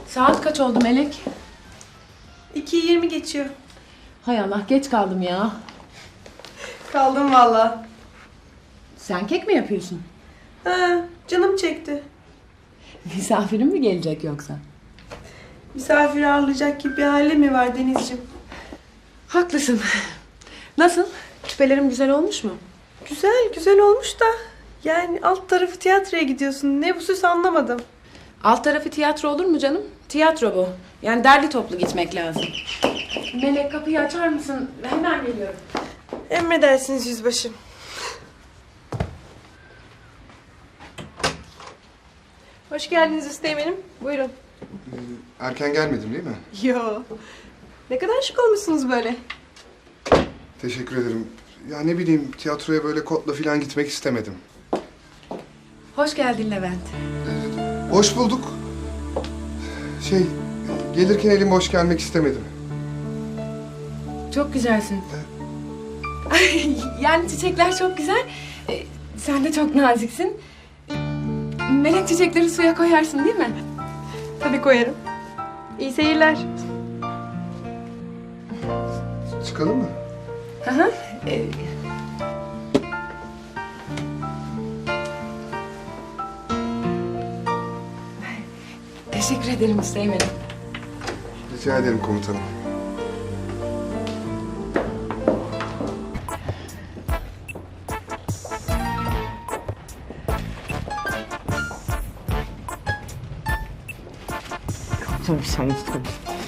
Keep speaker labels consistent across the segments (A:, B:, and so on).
A: Saat kaç oldu Melek?
B: 2:20 geçiyor.
A: Hay Allah, geç kaldım ya.
B: Kaldım valla.
A: Sen kek mi yapıyorsun?
B: Ha, canım çekti.
A: Misafirin mi gelecek yoksa?
B: Misafir ağırlayacak gibi bir hali mi var Denizciğim?
A: Haklısın. Nasıl? Küpelerim güzel olmuş mu?
B: Güzel, güzel olmuş da. Yani alt tarafı tiyatroya gidiyorsun. Ne bu süs anlamadım.
A: Alt tarafı tiyatro olur mu canım? Tiyatro bu. Yani derli toplu gitmek lazım. Melek, kapıyı açar mısın? Hemen geliyorum.
B: Emredersiniz yüzbaşım. Hoş geldiniz Üsteğmen'im. Buyurun.
C: Erken gelmedim değil mi?
B: Yo. Ne kadar şık olmuşsunuz böyle.
C: Teşekkür ederim. Ya ne bileyim tiyatroya böyle kotla falan gitmek istemedim.
A: Hoş geldin Levent.
C: Hoş bulduk. Gelirken elim boş gelmek istemedim.
A: Çok güzelsin. Yani çiçekler çok güzel. Sen de çok naziksin. Melek, çiçekleri suya koyarsın değil mi?
B: Tabii koyarım. İyi seyirler.
C: Çıkalım mı?
A: Hı hı. Teşekkür ederim Üsteğmen'im.
C: Rica ederim komutanım.
D: Tabii sen tabii.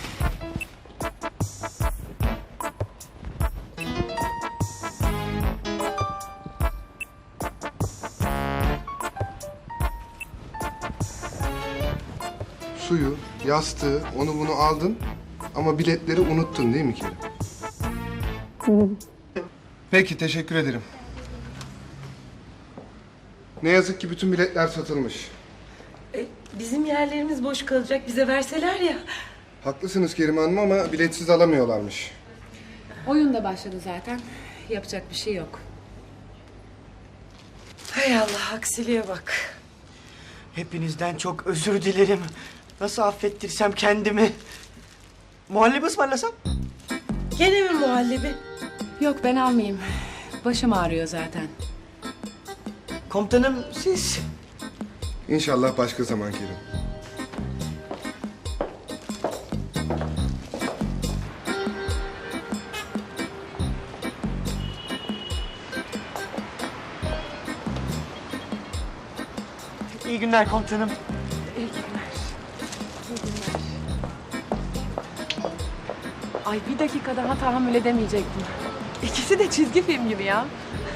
C: Suyu, yastığı, onu bunu aldın ama biletleri unuttun değil mi Kerim? Peki, teşekkür ederim. Ne yazık ki bütün biletler satılmış.
B: Bizim yerlerimiz boş kalacak. Bize verseler ya.
C: Haklısınız Kerim Hanım ama biletsiz alamıyorlarmış.
A: Oyun da başladı zaten. Yapacak bir şey yok.
B: Hay Allah, aksiliğe bak.
D: Hepinizden çok özür dilerim. Nasıl affettirsem kendimi? Muhallebi ısmarlasam?
B: Gene mi muhallebi?
A: Yok, ben almayayım. Başım ağrıyor zaten.
D: Komutanım siz...
C: İnşallah başka zaman Kerim.
D: İyi günler komutanım.
A: İyi günler. İyi günler. Ay, bir dakika daha tahammül edemeyecektim. İkisi de çizgi film gibi ya.